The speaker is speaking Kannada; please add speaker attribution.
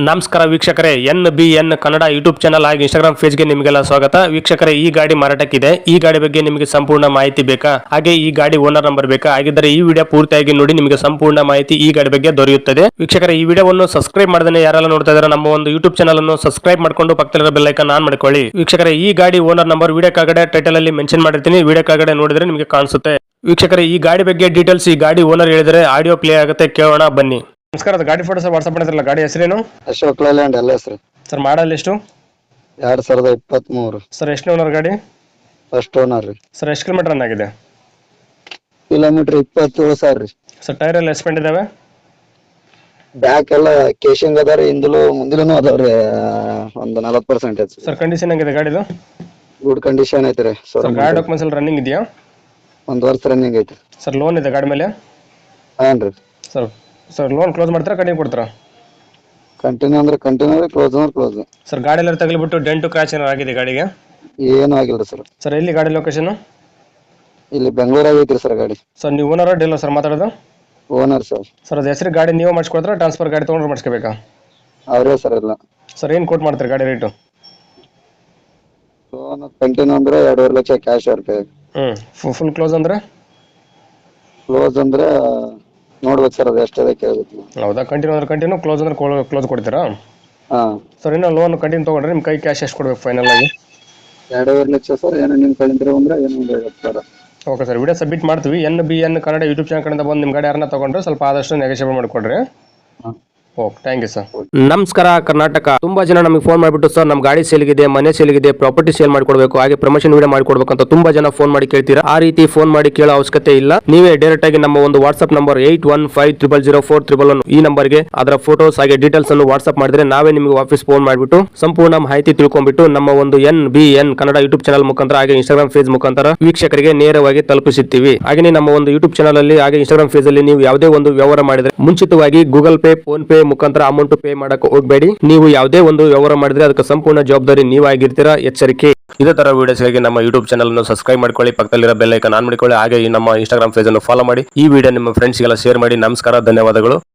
Speaker 1: ನಮಸ್ಕಾರ ವೀಕ್ಷಕರೇ, NBN ಕನ್ನಡ ಯೂಟ್ಯೂಬ್ ಚಾನಲ್ ಹಾಗೂ ಇನ್ಸ್ಟಾಗ್ರಾಮ್ ಪೇಜ್ಗೆ ನಿಮಗೆಲ್ಲ ಸ್ವಾಗತ. ವೀಕ್ಷಕರೇ, ಈ ಗಾಡಿ ಮಾರಾಟಕ್ಕಿದೆ. ಈ ಗಾಡಿ ಬಗ್ಗೆ ನಿಮಗೆ ಸಂಪೂರ್ಣ ಮಾಹಿತಿ ಬೇಕಾ, ಹಾಗೆ ಈ ಗಾಡಿ ಓನರ್ ನಂಬರ್ ಬೇಕಾ? ಹಾಗಿದ್ದರೆ ಈ ವಿಡಿಯೋ ಪೂರ್ತಿಯಾಗಿ ನೋಡಿ, ನಿಮಗೆ ಸಂಪೂರ್ಣ ಮಾಹಿತಿ ಈ ಗಾಡಿ ಬಗ್ಗೆ ದೊರೆಯುತ್ತದೆ. ವೀಕ್ಷಕರೇ, ಈ ವಿಡಿಯೋವನ್ನು ಸಬ್ಸ್ಕ್ರೈಬ್ ಮಾಡದೇ ಯಾರೆಲ್ಲ ನೋಡ್ತಾ ಇದ್ದಾರೆ ನಮ್ಮ ಒಂದು ಯೂಟ್ಯೂಬ್ ಚಾನಲ್ ಅನ್ನು ಸಬ್ಸ್ಕ್ರೈಬ್ ಮಾಡ್ಕೊಂಡು ಪಕ್ಕದಲ್ಲಿರೋ ಬೆಲ್ ಐಕಾನ್ ಆನ್ ಮಾಡ್ಕೊಳ್ಳಿ. ವೀಕ್ಷಕರೇ, ಈ ಗಾಡಿ ಓನರ್ ನಂಬರ್ ವಿಡಿಯೋ ಕೆಳಗಡೆ ಟೈಟಲ್ ಅಲ್ಲಿ ಮೆನ್ಷನ್ ಮಾಡಿರ್ತೀನಿ, ವಿಡಿಯೋ ಕೆಳಗಡೆ ನೋಡಿದ್ರೆ ನಿಮಗೆ ಕಾಣಿಸುತ್ತೆ. ವೀಕ್ಷಕರೇ, ಈ ಗಾಡಿ ಬಗ್ಗೆ ಡೀಟೇಲ್ಸ್ ಈ ಗಾಡಿ ಓನರ್ ಹೇಳಿದರೆ ಆಡಿಯೋ ಪ್ಲೇ ಆಗುತ್ತೆ, ಕೇಳೋಣ ಬನ್ನಿ. ನಮಸ್ಕಾರ, ಗಾಡಿ ಫೋಟೋಸ್ ವಾಟ್ಸ್ಆಪ್ ಮಾಡಿದ್ರಲ್ಲ, ಗಾಡಿ ಹೆಸರೇನು?
Speaker 2: ಅಶೋಕ್ ಲೈಲ್ಯಾಂಡ್ ಎಲ್ಲ ಹೆಸರು
Speaker 1: ಸರ್. ಮಾಡಲ್ ಎಷ್ಟು?
Speaker 2: 2023
Speaker 1: ಸರ್. ಎಷ್ಟು ಓನರ್ ಗಾಡಿ?
Speaker 2: ಫಸ್ಟ್ ಓನರ್ ರೀ.
Speaker 1: ಸರ್, ಎಷ್ಟು ಕಿಲೋಮೀಟರ್ ರನ್ ಆಗಿದೆ?
Speaker 2: ಕಿಲೋಮೀಟರ್ 27,000 ರೀ.
Speaker 1: ಸರ್, ಟೈರ್ ಎಲ್ಲ ಎಸ್ಪೆಂಡ್ ಇದಾವೆ?
Speaker 2: ಬ್ಯಾಕ್ ಎಲ್ಲ ಕೇಶಿಂಗ್ ಅದಾರಿ, ಹಿಂದಲೂ ಮುಂದಿಲೂ ಅದಾವ್ರಿ. ಒಂದು 40% ಐತಿ
Speaker 1: ಸರ್. ಕಂಡೀಷನ್ ಹೆಂಗಿದೆ ಗಾಡಿದು?
Speaker 2: ಗುಡ್ ಕಂಡೀಷನ್ ಐತ್ರಿ.
Speaker 1: ಸರ್, ಗಾಡಿ ಡಾಕ್ಯುಮೆಂಟ್ಸ್ ಎಲ್ಲ ರನ್ನಿಂಗ್ ಇದೆಯಾ?
Speaker 2: 1 ವರ್ಷ ರನ್ನಿಂಗ್ ಐತಿ.
Speaker 1: ಸರ್, ಲೋನ್ ಇದೆ ಗಾಡಿ ಮೇಲೆ?
Speaker 2: ಹಾನ್ರಿ.
Speaker 1: ಸರ್, ಲೋನ್ ಕ್ಲೋಸ್ ಮಾಡ್ತಾರಾ, ಕಂಟಿನ್ಯೂ ಕೊಡ್ತಾರಾ?
Speaker 2: ಕಂಟಿನ್ಯೂ ಅಂದ್ರೆ ಕಂಟಿನ್ಯೂ, ಕ್ಲೋಸ್ ಅಂದ್ರೆ ಕ್ಲೋಸ್.
Speaker 1: ಸರ್, ಗಾಡಿ ಎಲ್ಲ ತಗಲಿಬಿಟ್ಟು ಡೆಂಟು ಕ್ರಾಚ್ ಏನಾರು ಆಗಿದೆ ಗಾಡಿಗೆ?
Speaker 2: ಏನು ಆಗಿಲ್ರಿ ಸರ್.
Speaker 1: ಸರ್, ಎಲ್ಲಿ ಗಾಡಿ ಲೊಕೇಶನ್?
Speaker 2: ಇಲ್ಲಿ ಬೆಂಗಳೂರಾಗ ಐತ್ರಿ ಸರ್ ಗಾಡಿ.
Speaker 1: ಸರ್, ನೀವು ಓನರ್ ಡೀಲರ್ ಸರ್ ಮಾತಾಡೋದು?
Speaker 2: Owner sir.
Speaker 1: ಸರ್, ಅದು ಹೆಸರು ಗಾಡಿ ನೀವು ಮಾಡಿಸ್ಕೊಡ್ತಾರಾ, ಟ್ರಾನ್ಸ್ಫರ್ ಗಾಡಿ ತೊಗೊಂಡ್ರೆ ಮಾಡಿಸ್ಕೋಬೇಕಾ?
Speaker 2: ಅವರೇ ಸರ್ ಎಲ್ಲ.
Speaker 1: ಸರ್, ಏನು ಕೋಟ್ ಮಾಡ್ತೀರಿ ಗಾಡಿ ರೇಟು?
Speaker 2: ಲೋನ್ ಕಂಟಿನ್ಯೂ ಅಂದ್ರೆ 2.5 ಲಕ್ಷ ಕ್ಯಾಶ್ ಇರುತ್ತೆ.
Speaker 1: ಫುಲ್ ಕ್ಲೋಸ್ ಅಂದ್ರೆ?
Speaker 2: ಕ್ಲೋಸ್ ಅಂದ್ರೆ ನೋಡ್ಬೇಕು ಸರ್, ಅದು ಎಷ್ಟಿದೆ ಕೇಳ್ಬೇಕು.
Speaker 1: ಹೌದಾ? ಕಂಟಿನ್ಯೂ ಅಂದ್ರೆ ಕಂಟಿನ್ಯೂ, ಕ್ಲೋಸ್ ಅಂದ್ರೆ ಕ್ಲೋಸ್ ಕೊಡ್ತೀರಾ?
Speaker 2: ಹಾ
Speaker 1: ಸರ್, ಇನ್ನು ಲೋನ್ ಕಂಟಿನ್ಯೂ ತೊಗೊಂಡ್ರೆ ನಿಮ್ಮ ಕೈ ಕ್ಯಾಶ್ ಎಷ್ಟು ಕೊಡ್ಬೇಕು ಫೈನಲ್ ಆಗಿ?
Speaker 2: 2.5 ಲಕ್ಷ ಸರ್. ಏನೋ ನಿಮ್ಮ ಕಡೆಯಿಂದ ಅಂದ್ರೆ ಏನೋ 50,000.
Speaker 1: ಓಕೆ ಸರ್, ವಿಡಿಯೋ ಸಬ್ಮಿಟ್ ಮಾಡ್ತೀವಿ. NBN ಕನ್ನಡ ಯೂಟ್ಯೂಬ್ ಚಾನಲ್ ಕಡೆಯಿಂದ ಬಂದು ನಿಮ್ಮ ಗಾಡಿ ಯಾರನ್ನ ತೊಗೊಂಡ್ರೆ ಸ್ವಲ್ಪ ಆದಷ್ಟು ನೆಗೋಷಿಯೇಟ್ ಮಾಡಿಕೊಡ್ರಿ. Okay, thank you sir. ನಮಸ್ಕಾರ ಕರ್ನಾಟಕ. ತುಂಬಾ ಜನ ನಮಗೆ ಫೋನ್ ಮಾಡಿಬಿಟ್ಟು, ಸರ್ ನಮ್ಮ ಗಾಡಿ ಸೇಲ್ಗಿದೆ, ಮನೆ ಸೇಲ್ಗಿದೆ, ಪ್ರಾಪರ್ಟಿ ಸೇಲ್ ಮಾಡ್ಕೊಡ್ಬೇಕು, ಹಾಗೆ ಪ್ರಮೋಷನ್ ವಿಡಿಯೋ ಮಾಡ್ಕೊಡ್ಬೇಕು ಅಂತ ತುಂಬಾ ಜನ ಫೋನ್ ಮಾಡಿ ಕೇಳ್ತೀರಾ. ಆ ರೀತಿ ಫೋನ್ ಮಾಡಿ ಕೇಳೋ ಅವಶ್ಯಕತೆ ಇಲ್ಲ. ನೀವೇ ಡೈರೆಕ್ಟ್ ಆಗಿ ನಮ್ಮ ಒಂದು ವಾಟ್ಸ್ಆಪ್ ನಂಬರ್ 81500411 ಈ ನಂಬರ್ಗೆ ಅದರ ಫೋಟೋಸ್ ಹಾಗೆ ಡೀಟೇಲ್ಸ್ ಅನ್ನು ವಾಟ್ಸ್ಆಪ್ ಮಾಡಿದ್ರೆ ನಾವೇ ನಿಮಗೆ ವಾಪಸ್ ಫೋನ್ ಮಾಡಿಬಿಟ್ಟು ಸಂಪೂರ್ಣ ಮಾಹಿತಿ ತಿಳ್ಕೊಂಡ್ಬಿಟ್ಟು ನಮ್ಮ ಒಂದು NBN ಕನ್ನಡ ಯೂಟ್ಯೂಬ್ ಚಾನಲ್ ಮುಖಾಂತರ ಹಾಗೆ ಇನ್ಸ್ಟಾಗ್ರಾಮ್ ಪೇಜ್ ಮುಖಾಂತರ ವೀಕ್ಷಕರಿಗೆ ನೇರವಾಗಿ ತಲುಪಿಸುತ್ತೀವಿ. ಹಾಗೆ ನಮ್ಮ ಒಂದು ಯೂಟ್ಯೂಬ್ ಚಾನಲ್ ಅಲ್ಲಿ ಹಾಗೆ ಇನ್ಸ್ಟಾಗ್ರಾಮ್ ಪೇಜ್ ಅಲ್ಲಿ ನೀವು ಯಾವುದೇ ಒಂದು ವ್ಯವಹಾರ ಮಾಡಿದ್ರೆ ಮುಂಚಿತವಾಗಿ ಗೂಗಲ್ ಪೇ, ಫೋನ್ ಪೇ ಮುಖಾಂತರ ಅಮೌಂಟ್ ಪೇ ಮಾಡಕ್ಕೆ ಹೋಗಬೇಡಿ. ನೀವು ಯಾವುದೇ ಒಂದು ವ್ಯವಹಾರ ಮಾಡಿದ್ರೆ ಅದಕ್ಕೆ ಸಂಪೂರ್ಣ ಜವಾಬ್ದಾರಿ ನೀವಾಗಿರ್ತೀರಾ, ಎಚ್ಚರಿಕೆ. ಇದೇ ತರ ವಿಡಿಯೋಸ್ಗಾಗಿ ನಮ್ಮ ಯೂಟ್ಯೂಬ್ ಚಾನಲ್ ಅನ್ನು ಸಬ್ಸ್ಕ್ರೈಬ್ ಮಾಡ್ಕೊಳ್ಳಿ, ಪಕ್ಕದಲ್ಲಿರೋ ಬೆಲ್ ಐಕಾನ್ ಆನ್ ಮಾಡಿಕೊಳ್ಳಿ, ಹಾಗೆ ನಮ್ಮ ಇನ್ಸ್ಟಾಗ್ರಾಮ್ ಪೇಜ್ ಅನ್ನು ಫಾಲೋ ಮಾಡಿ. ಈ ವಿಡಿಯೋ ನಿಮ್ಮ ಫ್ರೆಂಡ್ಸ್ಗೆಲ್ಲ ಶೇರ್ ಮಾಡಿ. ನಮಸ್ಕಾರ, ಧನ್ಯವಾದಗಳು.